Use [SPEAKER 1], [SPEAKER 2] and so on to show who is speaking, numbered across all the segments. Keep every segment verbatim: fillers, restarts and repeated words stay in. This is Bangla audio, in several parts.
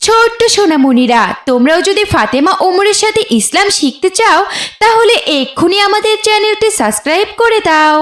[SPEAKER 1] ছোট্ট সোনামণিরা, তোমরাও যদি ফাতেমা ওমরের সাথে ইসলাম শিখতে চাও তাহলে এক্ষুনি আমাদের চ্যানেলটি সাবস্ক্রাইব করে দাও।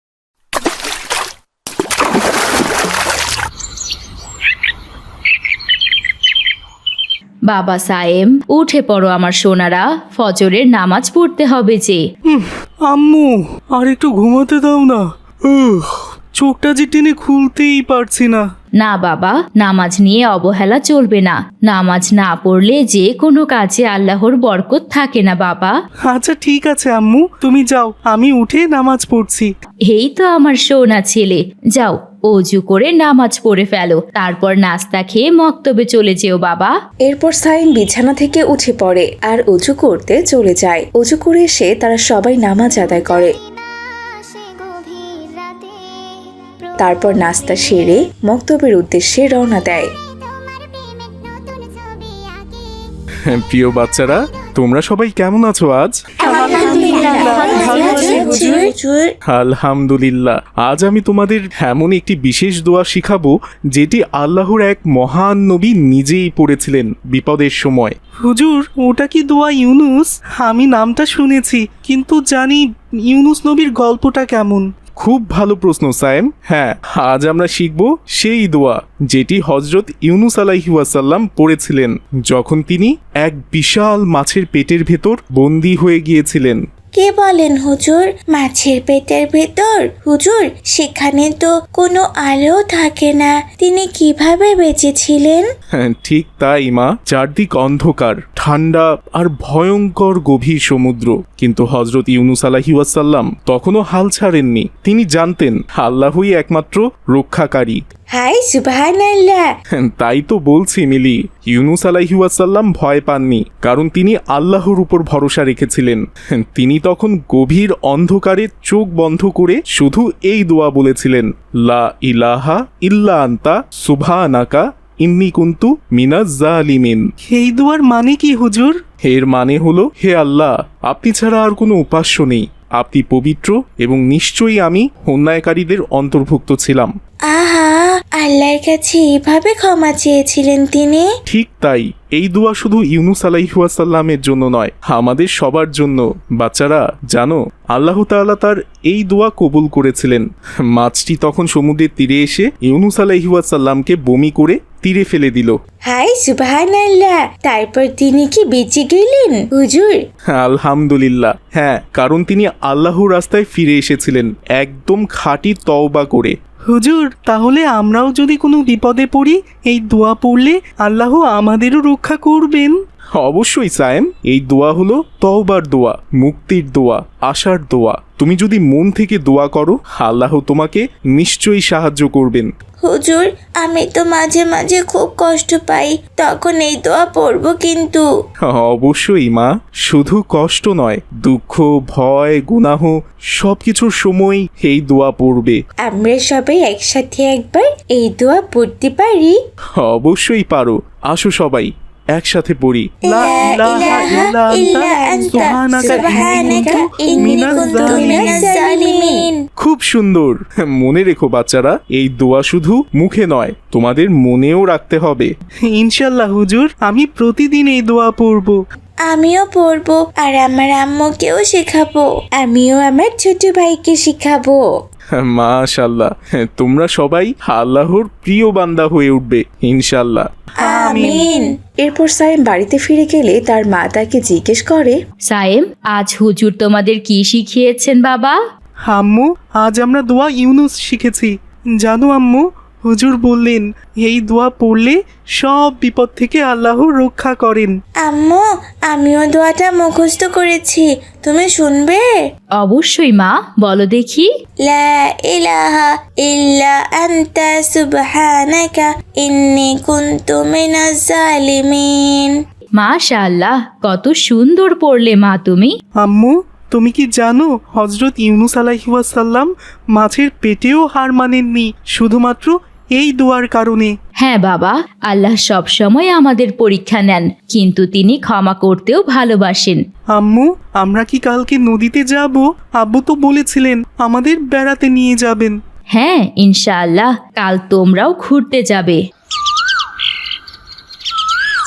[SPEAKER 2] বাবা সায়েম, উঠে পড়ো আমার সোনারা, ফজরের নামাজ পড়তে হবে যে।
[SPEAKER 3] আম্মু আর একটু ঘুমাতে দাও না, উহ, চোখটা যে টেনে খুলতেই পারছি না।
[SPEAKER 2] না বাবা, নামাজ নিয়ে অবহেলা চলবে না। নামাজ না পড়লে যে কোনো কাজে আল্লাহর বরকত থাকে না বাবা।
[SPEAKER 3] আচ্ছা ঠিক আছে আম্মু, তুমি যাও, আমি উঠে নামাজ পড়ছি।
[SPEAKER 2] এই তো আমার সোনা ছেলে, যাও অজু করে নামাজ পড়ে ফেলো, তারপর নাস্তা খেয়ে মক্তবে চলে যেও বাবা।
[SPEAKER 4] এরপর সাইম বিছানা থেকে উঠে পড়ে আর অজু করতে চলে যায়। অজু করে এসে তারা সবাই নামাজ আদায় করে। তারপর নাস্তা সেরে মক্তবের উদ্দেশ্যে রওনা দেয়।
[SPEAKER 3] প্রিয় বাচ্চারা, তোমরা সবাই কেমন আছো আজ? আলহামদুলিল্লাহ। আজ আমি তোমাদের এমন একটি বিশেষ দোয়া শিখাবো যেটি আল্লাহর এক মহান নবী নিজেই পড়েছিলেন বিপদের সময়। হুজুর, ওটা কি দোয়া ইউনুস? আমি নামটা শুনেছি, কিন্তু জানি ইউনুস নবীর গল্পটা কেমন। খুব ভালো প্রশ্ন সায়েম। হ্যাঁ, আজ আমরা শিখব সেই দোয়া যেটি হজরত ইউনুস আলাইহি ওয়াসাল্লাম পড়েছিলেন যখন তিনি এক বিশাল মাছের পেটের ভেতর বন্দী হয়ে গিয়েছিলেন।
[SPEAKER 5] কে বলেন হুজুর, মাছের পেটের ভেতর? হুজুর, সেখানে তো কোনো আলো থাকে না, তিনি কিভাবে বেঁচেছিলেন?
[SPEAKER 3] হ্যাঁ, ঠিক তাই মা। চারদিক অন্ধকার, ঠান্ডা আর ভয়ঙ্কর গভীর সমুদ্র, কিন্তু হজরত ইউনুস আলাইহি ওয়াসাল্লাম তখনও হাল ছাড়েননি। তিনি জানতেন আল্লাহই একমাত্র রক্ষাকারী।
[SPEAKER 5] হাই সুবহানাল্লাহ।
[SPEAKER 3] তাই তো বলছি মিলি, ইউনুস আলাইহি ওয়াসাল্লাম ভয় পাননি, কারণ তিনি আল্লাহর উপর ভরসা রেখেছিলেন। তিনি তখন গভীর অন্ধকারে চোখ বন্ধ করে শুধু এই দোয়া বলেছিলেন, লা ইলাহা ইল্লা আনতা সুবহানাকা ইন্নী কুনতু মিনাজ জালিমিন। এই দোয়ার মানে কি হুজুর? এর মানে হলো, হে আল্লাহ, আপনি ছাড়া আর কোনো উপাস্য নেই, আপনি পবিত্র এবং নিশ্চয়ই আমি অন্যায়কারীদের অন্তর্ভুক্ত ছিলাম।
[SPEAKER 5] আহা, আল্লাহর কাছে এভাবে ক্ষমা চেয়েছিলেন তিনি?
[SPEAKER 3] ঠিক তাই। এই দোয়া শুধু ইউনুস আলাইহি ওয়াসাল্লামের জন্য নয়, আমাদের সবার জন্য। বাচ্চারা জানো, আল্লাহ তাআলা তার এই দোয়া কবুল করেছিলেন। মাছটি তখন সমুদ্রের তীরে এসে ইউনুস আলাইহি ওয়াসাল্লামকে বমি করে তীরে ফেলে দিল।
[SPEAKER 5] হাই সুবহানাল্লাহ। তারপর তিনি কি বেঁচে গেলেন হুজুর?
[SPEAKER 3] আলহামদুলিল্লাহ, হ্যাঁ, কারণ তিনি আল্লাহর রাস্তায় ফিরে এসেছিলেন একদম খাঁটি তওবা করে। হুজুর, তাহলে আমরাও যদি কোনো বিপদে পড়ি এই দোয়া পড়লে আল্লাহ আমাদেরও রক্ষা করবেন? অবশ্যই সায়েম, এই দোয়া হলো তওবার দোয়া, মুক্তির দোয়া, আশার দোয়া। তুমি যদি মন থেকে দোয়া করো, আল্লাহ তোমাকে নিশ্চয়ই সাহায্য করবেন।
[SPEAKER 5] হুজুর, আমি তো মাঝে মাঝে খুব কষ্ট পাই, তখন এই দোয়া পড়বো কিন্তু?
[SPEAKER 3] অবশ্যই মা, শুধু কষ্ট নয়, দুঃখ, ভয়, গুনাহ সবকিছুর সময় এই দোয়া পড়বে।
[SPEAKER 5] আমরা সবাই একসাথে একবার এই দোয়া পড়তে পারি?
[SPEAKER 3] অবশ্যই পারো। আসো সবাই একসাথে পড়ি।
[SPEAKER 5] লা ইলাহা ইল্লা আনতা সুবহানাকা ইন্নী কুনতু মিনাজ জালিমিন।
[SPEAKER 3] খুব সুন্দর। মনে রেখো বাচ্চারা, এই দোয়া শুধু মুখে নয়, তোমাদের মনেও রাখতে হবে। ইনশাআল্লাহ হুজুর, আমি প্রতিদিন এই দোয়া পড়ব।
[SPEAKER 5] আমিও পড়বো আর আমার আম্মুকেও শেখাবো, আমিও আমার ছোট ভাইকে শেখাবো।
[SPEAKER 3] মাশাআল্লাহ, তোমরা সবাই আল্লাহর প্রিয় বান্দা হয়ে উঠবে ইনশাআল্লাহ।
[SPEAKER 5] আমিন।
[SPEAKER 4] এরপর সাইম বাড়িতে ফিরে গেলে তার মা তাকে জিজ্ঞেস করে,
[SPEAKER 2] সায়েম, আজ হুজুর তোমাদের কি শিখিয়েছেন বাবা?
[SPEAKER 3] আম্মু, আজ আমরা দোয়া ইউনুস শিখেছি। জানো আম্মু, হুজুর বললেন এই দোয়া পড়লে সব বিপদ থেকে আল্লাহ রক্ষা করেন।
[SPEAKER 5] আম্মু, আমিও দোয়াটা মুখস্থ করেছি, তুমি শুনবে?
[SPEAKER 2] অবশ্যই মা, বলো দেখি।
[SPEAKER 5] লা ইলাহা ইল্লা আনতা সুবহানাকা ইন্নী কুনতু মিনাজ জালিমিন।
[SPEAKER 2] মাশাআল্লাহ, কত সুন্দর পড়লে মা তুমি।
[SPEAKER 3] আম্মু, তুমি কি জানো হজরত ইউনুস আলাইহি ওয়াসাল্লাম মাছের পেটেও হার মানেননি শুধুমাত্র এই দোয়ার কারণে?
[SPEAKER 2] হ্যাঁ বাবা, আল্লাহ সব সময় আমাদের পরীক্ষা নেন, কিন্তু তিনি ক্ষমা করতেও ভালোবাসেন।
[SPEAKER 3] আম্মু, আমরা কি কালকে নদীতে যাব? আব্বু তো বলেছিলেন আমাদের বেড়াতে নিয়ে যাবেন।
[SPEAKER 2] হ্যাঁ, ইনশাআল্লাহ কাল তোমরাও ঘুরতে যাবে।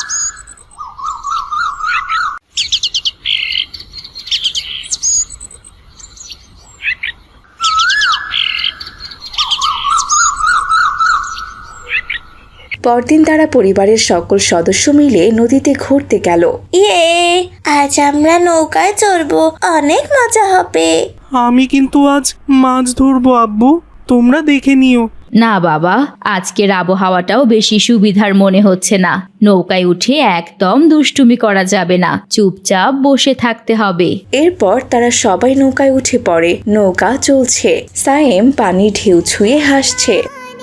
[SPEAKER 4] পরদিন তারা পরিবারের সকল সদস্য মিলে নদীতে ঘুরতে গেল।
[SPEAKER 5] ইয়ে, আজ আমরা নৌকায় চড়বো, অনেক মজা হবে।
[SPEAKER 3] আমি কিন্তু আজ মাছ ধরবো আব্বু, তোমরা দেখে নিও।
[SPEAKER 2] না বাবা, আজকের আবহাওয়াটাও বেশি সুবিধার মনে হচ্ছে না। নৌকায় উঠে একদম দুষ্টুমি করা যাবে না, চুপচাপ বসে থাকতে হবে।
[SPEAKER 4] এরপর তারা সবাই নৌকায় উঠে পড়ে। নৌকা চলছে, সায়েম পানি ঢেউ ছুঁয়ে হাসছে।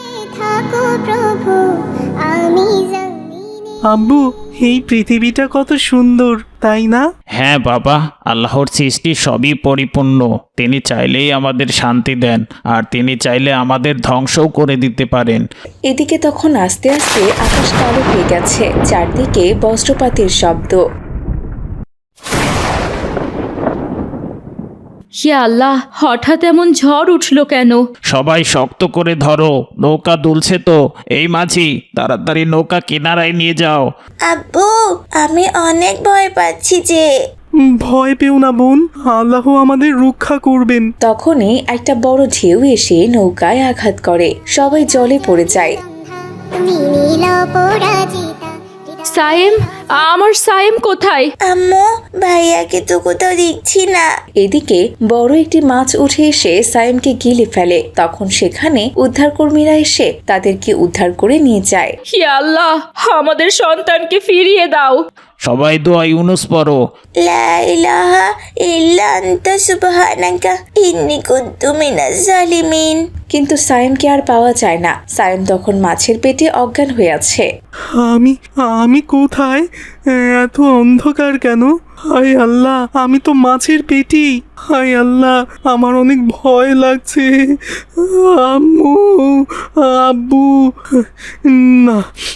[SPEAKER 3] আব্বু, এই পৃথিবীটা কত সুন্দর, তাই না?
[SPEAKER 6] হ্যাঁ বাবা, আল্লাহর সৃষ্টি সবই পরিপূর্ণ। তিনি চাইলেই আমাদের শান্তি দেন, আর তিনি চাইলে আমাদের ধ্বংসও করে দিতে পারেন।
[SPEAKER 4] এদিকে তখন আস্তে আস্তে আকাশ কালো হয়ে গেছে, চারদিকে বজ্রপাতের শব্দ।
[SPEAKER 2] হে আল্লাহ, হঠাৎ এমন ঝড় উঠলো কেন?
[SPEAKER 6] সবাই শক্ত করে ধরো, নৌকা দুলছে তো। এই মাঝি, তাড়াতাড়ি নৌকা কিনারায় নিয়ে যাও।
[SPEAKER 5] আব্বু, আমি অনেক ভয় পাচ্ছি যে।
[SPEAKER 3] ভয় পেও না বোন, আল্লাহ আমাদের রক্ষা করবেন।
[SPEAKER 4] তখনই একটা বড় ঢেউ এসে নৌকায় আঘাত করে, সবাই জলে পড়ে যায়।
[SPEAKER 2] সায়েম, আমার সায়েম কোথায়?
[SPEAKER 5] আম্মু, ভাইয়াকে তো কোথাও দেখছি না।
[SPEAKER 4] এদিকে বড় একটি মাছ উঠে এসে সায়েমকে গিলে ফেলে। তখন সেখানে উদ্ধারকর্মীরা এসে তাদেরকে উদ্ধার করে নিয়ে যায়।
[SPEAKER 2] হে আল্লাহ, আমাদের সন্তানকে ফিরিয়ে দাও।
[SPEAKER 6] সবাই দোয়া ইউনুস পড়ো।
[SPEAKER 5] লা ইলাহা ইল্লা আনতা সুবহানাকা ইন্নী কুনতু মিনাজ জালিমিন।
[SPEAKER 4] কিন্তু সায়েমকে আর পাওয়া যায় না। সায়েম তখন মাছের পেটে অজ্ঞান হয়ে আছে।
[SPEAKER 3] আমি আমি কোথায়? এত অন্ধকার কেন? হায় আল্লাহ, আমি তো মাছের পেটি। হায় আল্লাহ, আমার অনেক ভয় লাগছে। আম্মু, আব্বু, না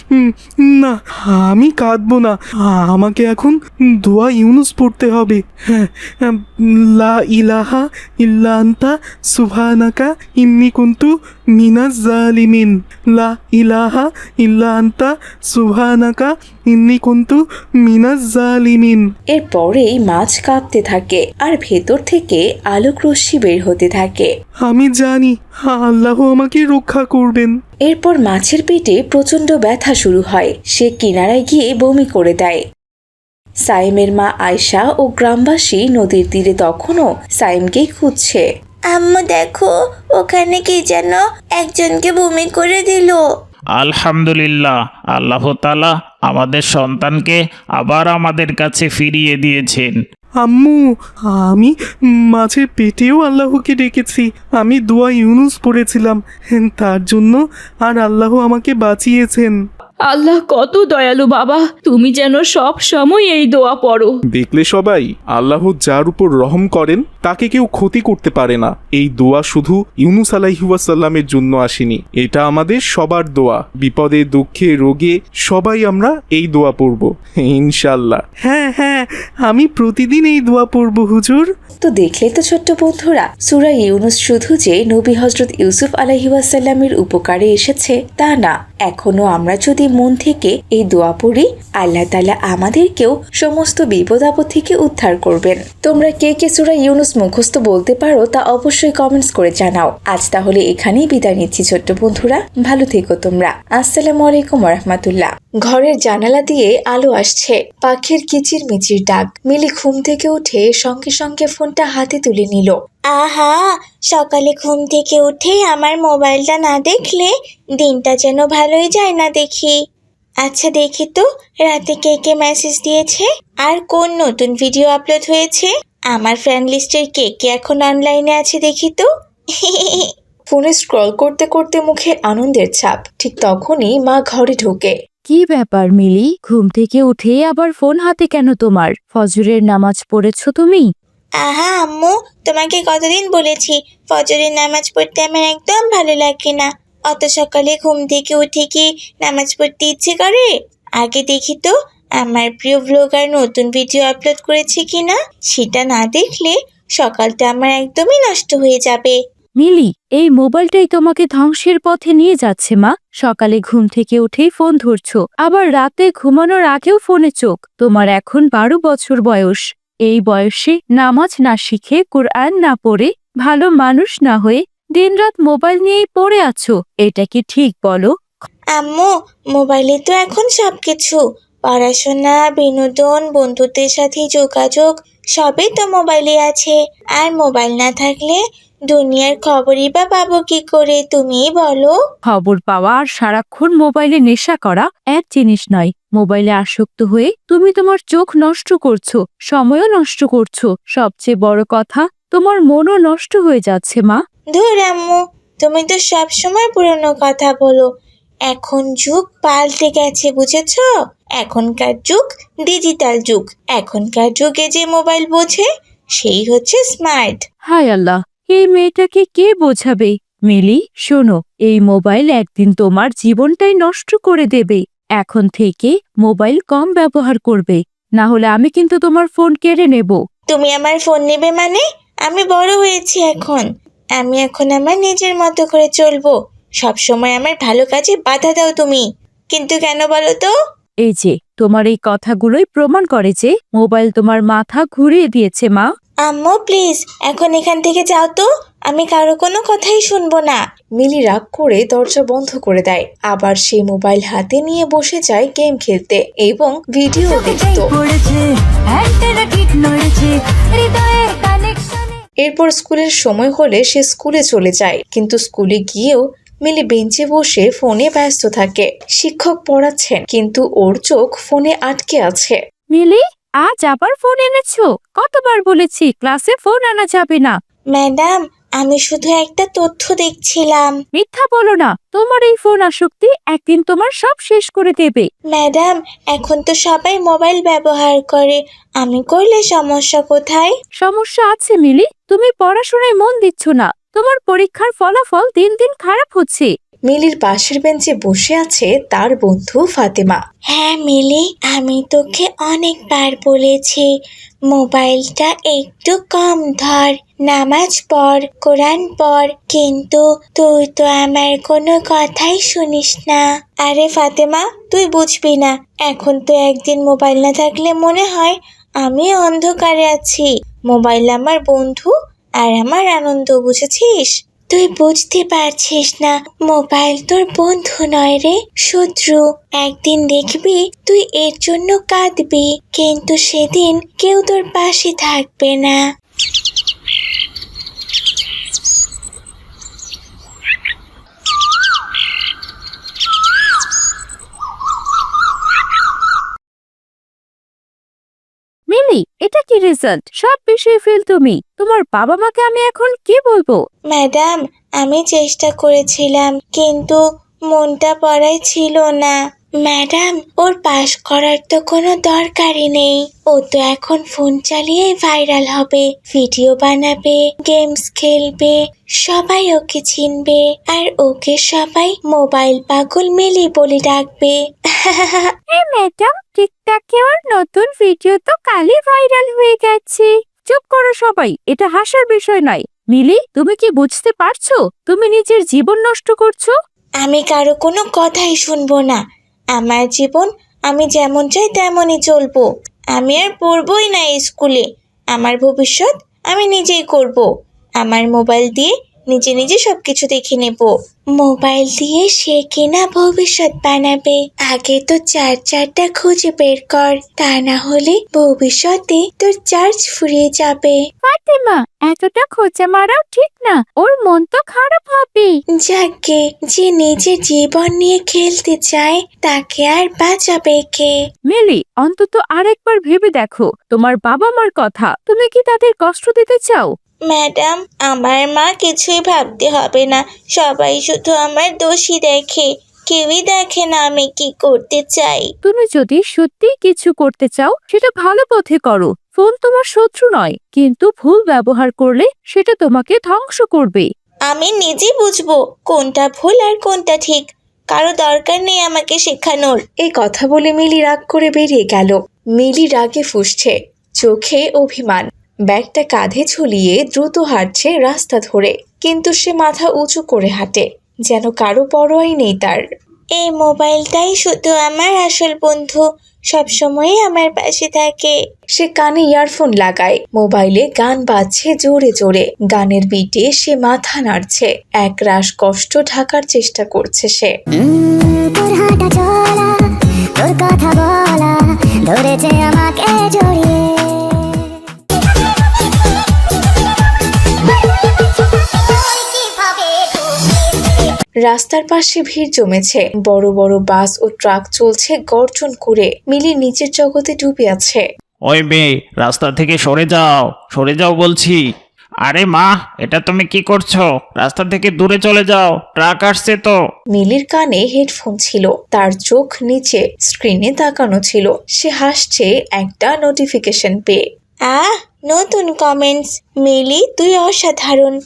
[SPEAKER 3] না, আমি কাঁদবো না। আমাকে এখন দোয়া ইউনুস পড়তে হবে। হ্যাঁ, লা ইলাহা ইল্লা আনতা সুবহানাকা ইন্নী কুনতু মিনাজ জালিমিন। লা ইলাহা ইল্লা আনতা সুবহানাকা ইন্নী কুনতু মিনাজ জালিমিন।
[SPEAKER 4] এরপরেই মাছ কাঁপতে থাকে আর ভেতর থেকে আলোক রশ্মি বের হতে থাকে।
[SPEAKER 3] আমি জানি আল্লাহ আমাকে রক্ষা করবেন।
[SPEAKER 4] এরপর মাছের পেটে প্রচন্ড ব্যথা শুরু হয়। সে কিনারায় গিয়ে বমি করে দেয়। সাইমের মা আয়শা ও গ্রামবাসী নদীর তীরে তখনও সাইমকেই খুঁজছে।
[SPEAKER 5] আম্মু দেখো, ওখানে কি যেন একজনকে বমি করে দিল।
[SPEAKER 6] আলহামদুলিল্লাহ, আল্লাহ তাআলা আমাদের সন্তানকে আবার আমাদের কাছে ফিরিয়ে দিয়েছেন।
[SPEAKER 3] আম্মু, আমি মাছের পেটেও আল্লাহকে ডেকেছি। আমি দোয়া ইউনুস পড়েছিলাম, তার জন্য আর আল্লাহ আমাকে বাঁচিয়েছেন।
[SPEAKER 2] আল্লাহ কত দয়ালু বাবা, তুমি যেন সব সময় এই দোয়া পড়ো।
[SPEAKER 3] দেখলে সবাই, আল্লাহ যার উপর রহম করেন তাকে কেউ ক্ষতি করতে পারে না। এই দোয়া শুধু ইউনুস আলাইহি ওয়াসাল্লামের জন্য আসেনি, এটা আমাদের সবার দোয়া। বিপদে দুঃখে রোগে সবাই আমরা এই দোয়া পড়ব ইনশাল্লাহ। হ্যাঁ হ্যাঁ, আমি প্রতিদিন এই দোয়া পড়ব হুজুর।
[SPEAKER 4] তো দেখলে তো ছোট্ট বন্ধুরা, সূরা ইউনুস শুধু যে নবী হযরত ইউসুফ আলাইহি ওয়াসাল্লামের উপকারে এসেছে তা না, এখনো আমরা যদি মন থেকে এই দোয়া পড়ি, আল্লাহ তাআলা আমাদেরকেও সমস্ত বিপদ আপদ থেকে উদ্ধার করবেন। তোমরা কে কে সূরা ইউনুস মুখস্থ বলতে পারো তা অবশ্যই কমেন্টস করে জানাও। আজ তাহলে এখানেই বিদায় নিচ্ছি ছোট্ট বন্ধুরা, ভালো থেকো তোমরা। আসসালামু আলাইকুম ওয়া রাহমাতুল্লাহ। ঘরের জানালা দিয়ে আলো আসছে, পাখির কিচির মিচির ডাক। মিলি ঘুম থেকে উঠে সঙ্গে সঙ্গে ফোনটা হাতে তুলে নিল।
[SPEAKER 5] আহা, সকালে ঘুম থেকে উঠে আমার মোবাইলটা না দেখলে দিনটা যেন ভালোই যায় না দেখি। আচ্ছা দেখি তো রাতে কে কে মেসেজ দিয়েছে আর কোন নতুন ভিডিও আপলোড হয়েছে। আমার ফ্রেন্ড লিস্টের কে কে এখন অনলাইনে আছে দেখি তো।
[SPEAKER 4] ফোনে স্ক্রল করতে করতে মুখে আনন্দের ছাপ। ঠিক তখনই মা ঘরে ঢোকে।
[SPEAKER 7] কি ব্যাপার মিলি, ঘুম থেকে উঠে আবার ফোন হাতে কেন তোমার? ফজরের নামাজ পড়েছো তুমি?
[SPEAKER 5] আহা আম্মু, তোমাকে কতদিন বলেছি ফজরের নামাজ পড়তে আমার একদম ভালো লাগে না। অত সকালে ঘুম থেকে উঠে কি নামাজ পড়তে ইচ্ছে করে? আগে দেখি তো আমার প্রিয় ব্লগার নতুন ভিডিও আপলোড করেছে কিনা। সেটা না দেখলে সকালটা আমার একদমই নষ্ট হয়ে যাবে।
[SPEAKER 7] মিলি, এই মোবাইলটাই তোমাকে ধ্বংসের পথে নিয়ে যাচ্ছে মা। সকালে ঘুম থেকে উঠেই ফোন ধরছো, আবার রাতে ঘুমানোর আগেও ফোনে চোখ। তোমার এখন বারো বছর বয়স। এই বয়সে নামাজ না শিখে, কুরআন না পড়ে, ভালো মানুষ না হয়ে দিনরাত মোবাইল নিয়েই পড়ে আছো, এটা কি ঠিক বলো?
[SPEAKER 5] আম্মু, মোবাইলে তো এখন সব কিছু, পড়াশোনা, বিনোদন, বন্ধুদের সাথে যোগাযোগ সবই তো মোবাইলে আছে। আর মোবাইল না থাকলে দুনিয়ার খবরই বা পাবো কি করে, তুমিই বলো।
[SPEAKER 7] খবর পাওয়া আর সারাক্ষণ মোবাইলে নেশা করা এক জিনিস নয়। মোবাইলে আসক্ত হয়ে তুমি তোমার চোখ নষ্ট করছো, সময়ও নষ্ট করছো, সবচেয়ে বড় কথা তোমার মনও নষ্ট হয়ে যাচ্ছে মা।
[SPEAKER 5] ধুর আম্মু, তুমি তো সব সময় পুরনো কথা বলো। এখন যুগ পাল্টে গেছে, বুঝেছো? এখনকার যুগ ডিজিটাল যুগ। এখনকার যুগে যে মোবাইল বোঝে সেই হচ্ছে স্মার্ট।
[SPEAKER 7] হায় আল্লাহ, এই মেয়েটাকে কে বোঝাবে? মিলি শোনো, এই মোবাইল একদিন তোমার জীবনটাই নষ্ট করে দেবে। এখন থেকে মোবাইল কম ব্যবহার করবে, না হলে আমি কিন্তু তোমার ফোন কেড়ে নেব।
[SPEAKER 5] তুমি আমার ফোন নেবে মানে? আমি বড় হয়েছি এখন। আমি এখন আমার নিজের মতো করে চলবো। সব সময় আমার ভালো কাজে বাধা দাও তুমি। কিন্তু কেন বলো তো?
[SPEAKER 7] এই যে তোমার এই কথাগুলোই প্রমাণ করে যে মোবাইল তোমার মাথা ঘুরিয়ে দিয়েছে মা।
[SPEAKER 5] আম্মু প্লিজ এখন এখান থেকে যাও তো, আমি কারো কোনো কথাই শুনবো না।
[SPEAKER 4] মিলি রাগ করে দরজা বন্ধ করে দেয়। আবার সেই মোবাইল হাতে নিয়ে বসে যায় গেম খেলতে এবং ভিডিও দেখতো। এরপর স্কুলের সময় হলে সে স্কুলে চলে যায়, কিন্তু স্কুলে গিয়েও মিলি বেঞ্চে বসে ফোনে ব্যস্ত থাকে। শিক্ষক পড়াচ্ছেন, কিন্তু ওর চোখ ফোনে আটকে আছে।
[SPEAKER 7] মিলি, আজ আবার ফোন এনেছো? কতবার বলেছি ক্লাসে ফোন আনা যাবে না।
[SPEAKER 5] ম্যাডাম, আমি শুধু একটা তথ্য দেখছিলাম।
[SPEAKER 7] মিথ্যা বলো না, তোমার এই ফোন আসক্তি একদিন তোমার সব শেষ করে দেবে।
[SPEAKER 5] ম্যাডাম, এখন তো সবাই মোবাইল ব্যবহার করে, আমি করলে সমস্যা কোথায়?
[SPEAKER 7] সমস্যা আছে মিলি, তুমি পড়াশোনায় মন দিচ্ছ না, তোমার পরীক্ষার ফলাফল দিন দিন খারাপ হচ্ছে।
[SPEAKER 4] মিলির পাশের বেঞ্চে বসে আছে তার বন্ধু ফাতেমা।
[SPEAKER 5] হ্যাঁ মিলি, আমি তোকে অনেকবার বলেছি মোবাইলটা একটু কম ধর, নামাজ পড়, কোরআন পড়, কিন্তু তুই তো আমার কোনো কথাই শুনিস না। আরে ফাতেমা, তুই বুঝবি না। এখন তো একদিন মোবাইল না থাকলে মনে হয় আমি অন্ধকারে আছি। মোবাইল আমার বন্ধু আর আমার আনন্দ, বুঝেছিস? তুই বুঝতে পারছিস না, মোবাইল তোর বন্ধু নয় রে, শত্রু। একদিন দেখবি তুই এর জন্য কাঁদবি, কিন্তু সেদিন কেউ তোর পাশে থাকবে না।
[SPEAKER 7] মিলি, এটা কি রেজাল্ট? সব বিষয়ে ফেল তুমি। তোমার বাবা মাকে আমি এখন কি বলবো?
[SPEAKER 5] ম্যাডাম, আমি চেষ্টা করেছিলাম, কিন্তু মনটা পড়ায় ছিল না। ম্যাডাম, ওর পাশ করার তো কোনো দরকারই নেই। ও তো এখন ফোন চালিয়ে ভাইরাল হবে, ভিডিও বানাবে, গেমস খেলবে, সবাই ওকে চিনবে, আর ওকে সবাই মোবাইল পাগল মিলি বলে ডাকবে।
[SPEAKER 7] হ্যাঁ ম্যাডাম, টিকটকে ওর নতুন ভিডিও তো কালই ভাইরাল হয়ে গেছে। চুপ করো সবাই, এটা হাসার বিষয় নয়। মিলি, তুমি কি বুঝতে পারছো তুমি নিজের জীবন নষ্ট করছো?
[SPEAKER 5] আমি কারো কোনো কথাই শুনবো না। আমার জীবন আমি যেমন চাই তেমনই চলবো। আমি আর পড়বই না স্কুলে। আমার ভবিষ্যৎ আমি নিজেই করব। আমার মোবাইল দিয়ে নিজে নিজে সবকিছু দেখে নেব। মোবাইল দিয়ে সে কিনা ভবিষ্যৎ বানাবে। আগে তো চার চারটা খুঁজে বের কর, তা না হলে ভবিষ্যতে তোর চার্জ ফুরিয়ে যাবে।
[SPEAKER 7] ফাতেমা, এতটা খোঁচা মারাও ঠিক না, ওর মন তো খারাপ হবে।
[SPEAKER 5] যাকে যে নিজের জীবন নিয়ে খেলতে চায় তাকে আর বাঁচাবে কে?
[SPEAKER 7] মিলি, অন্তত আরেকবার ভেবে দেখো তোমার বাবা মার কথা। তুমি কি তাদের কষ্ট দিতে চাও?
[SPEAKER 5] ম্যাডাম, আমার মা কিছুই ভাবতে হবে না। সবাই শুধু আমার দোষী দেখে, কেউই দেখে না আমি কি করতে চাই।
[SPEAKER 7] তুমি যদি সত্যি কিছু করতে চাও সেটা ভালো পথে করো। ফোন তোমার শত্রু নয়, কিন্তু ভুল ব্যবহার করলে সেটা তোমাকে ধ্বংস করবে।
[SPEAKER 5] আমি নিজে বুঝবো কোনটা ভুল আর কোনটা ঠিক। কারো দরকার নেই আমাকে শেখানোর।
[SPEAKER 4] এই কথা বলে মিলি রাগ করে বেরিয়ে গেল। মিলি রাগে ফুঁসছে, চোখে অভিমান। ব্যাগটা কাঁধে ঝুলিয়ে দ্রুত হাঁটছে রাস্তা ধরে, কিন্তু সে মাথা উঁচু করে হাঁটে, যেন কারো পরোয়াই নেই তার।
[SPEAKER 5] এই মোবাইলটাই শুধু আমার আসল বন্ধু, সবসময় আমার পাশে থাকে।
[SPEAKER 4] সে কানে ইয়ারফোন লাগায়, মোবাইলে গান বাজছে জোরে জোরে। গানের বিটে সে মাথা নাড়ছে, এক রাশ কষ্ট ঢাকার চেষ্টা করছে সে।
[SPEAKER 8] তোর হাঁটা চলা, তোর কথা বলা, ধরেছে আমাকে জড়িয়ে।
[SPEAKER 4] রাস্তার পাশে ভিড় জমেছে, বড় বড় বাস ও ট্রাক চলছে গর্জন করে। মিলি নিচের জগতে ডুবে আছে।
[SPEAKER 6] ওই মেয়ে, রাস্তা থেকে সরে যাও, সরে যাও বলছি। আরে মা, এটা তুমি কি করছো? রাস্তা থেকে দূরে চলে যাও, ট্রাক আসছে তো।
[SPEAKER 4] মিলির কানে হেডফোন ছিল, তার চোখ নিচে স্ক্রিনে তাকানো ছিল। সে হাসছে একটা নোটিফিকেশন পেয়ে।
[SPEAKER 5] আহ, নতুন কমেন্টস। মিলি, তুই অসাধারণ।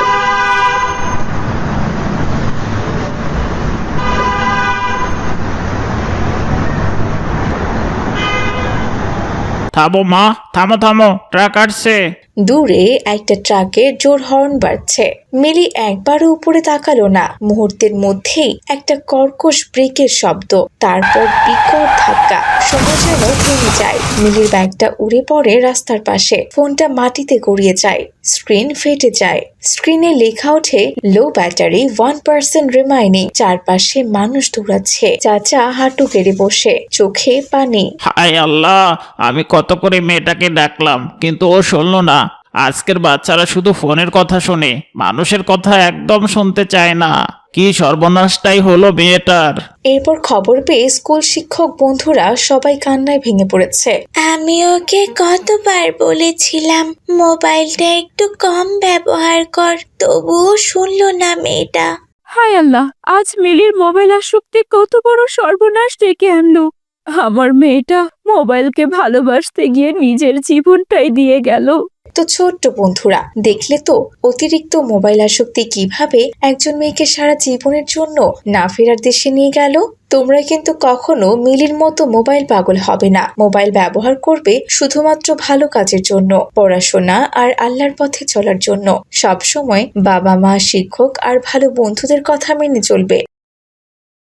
[SPEAKER 6] থামো মা, থামো থামো, ট্রাক আসছে।
[SPEAKER 4] দূরে একটা ট্রাকের জোর হর্ন বাজছে। মিলি একবারও উপরে তাকালো না। মুহূর্তের মধ্যেই একটা কর্কশ ব্রেকের শব্দ, তারপর বিকট ধাক্কা। সময় যেন থেমে যায়। মিলির ব্যাগটা উড়ে পড়ে রাস্তার পাশে। ফোনটা মাটিতে গড়িয়ে যায়, স্ক্রিন ফেটে যায়। স্ক্রিনে লেখা ওঠে low battery, one percent remaining. চারপাশে মানুষ দৌড়াচ্ছে। চাচা হাঁটু গেড়ে বসে, চোখে পানি।
[SPEAKER 6] হায় আল্লাহ, আমি কত করে মেয়েটাকে ডাকলাম, কিন্তু ও শুনলো না। আজকের বাচ্চারা শুধু ফোনের কথা শোনে, মানুষের কথা একদম শুনতে চায় না। কি সর্বনাশটাই হলো মেয়েটার।
[SPEAKER 4] এরপর খবর পেয়ে স্কুল শিক্ষক বন্ধুরা সবাই কান্নায় ভেঙে পড়েছে।
[SPEAKER 5] আমি ওকে কতবার বলেছিলাম মোবাইলটা একটু কম ব্যবহার কর, তবুও শুনলো না মেয়েটা।
[SPEAKER 7] হায় আল্লাহ, আজ মিলির মোবাইল আসক্তি কত বড় সর্বনাশ ডেকে আনলো। আমার মেয়েটা মোবাইলকে ভালোবাসতে গিয়ে নিজের জীবনটাই দিয়ে গেল।
[SPEAKER 4] তো ছোট্ট বন্ধুরা, দেখলে তো অতিরিক্ত মোবাইল আসক্তি কিভাবে একজন মেয়েকে সারা জীবনের জন্য না ফেরার দেশে নিয়ে গেল। তোমরা কিন্তু কখনো মিলির মতো মোবাইল পাগল হবে না। মোবাইল ব্যবহার করবে শুধুমাত্র ভালো কাজের জন্য, পড়াশোনা আর আল্লাহর পথে চলার জন্য। সব সময় বাবা মা, শিক্ষক আর ভালো বন্ধুদের কথা মেনে চলবে।